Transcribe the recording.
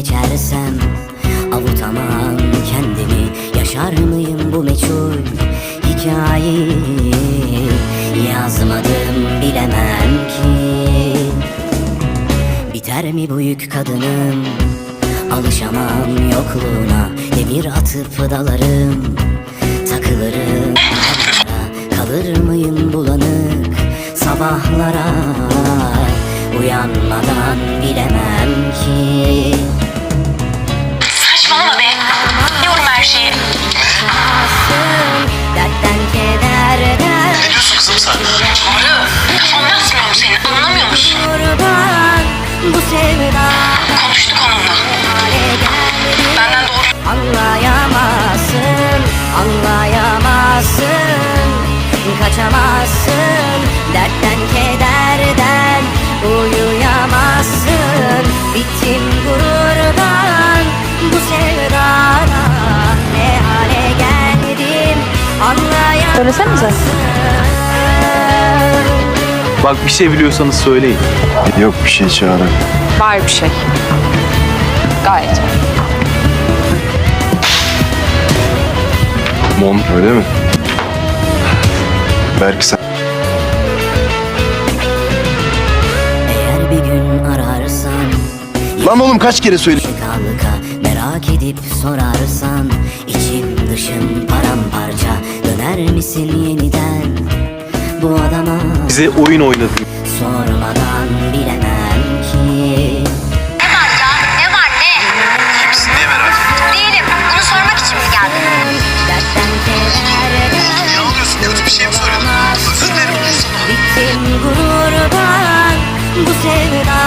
geçersem avutamam kendimi. Yaşar mıyım bu meçhul hikayeyi? Yazmadım, bilemem ki. Biter mi bu yük kadınım? Alışamam yokluğuna. Demir atıp dalarım, takılırım. Kalır mıyım bulanık sabahlara? Uyanmadan bilemem ki. Saçmalama be. Biliyorum her şeyi. Dertten kederden. Ne diyorsun kızım sen? Doğru. Kafam basmıyor mu senin? Anlamıyor musun? Kurban bu sevda. Konuştuk onunla. Benden doğru. Anlayamazsın, anlayamazsın. Kaçamazsın dertten kederden. Uyuyamazsın. Bittim gururdan bu sevdana. Ne hale geldim anlayamazsın. Söylesenize. Bak bir şey biliyorsanız söyleyin. Yok bir şey Çağrı. Var bir şey. Gayet. Mon öyle mi? Belki sen... Eğer bir gün ararsan, Lan oğlum kaç kere söyledim? kalka merak edip sorarsan, içim dışım paramparça. Döner misin yeniden bu adama? Bize oyun oynadın. Sormadan bilemem ki. Ne var ya? Ne var ne? İyi misin? Niye merak ettin? Değilim. Bunu sormak için mi geldin? Dertten kederden. Niye ağlıyorsun? Kötü bir şey mi söyledim? Özür dilerim. Bittim gururdan bu sevda.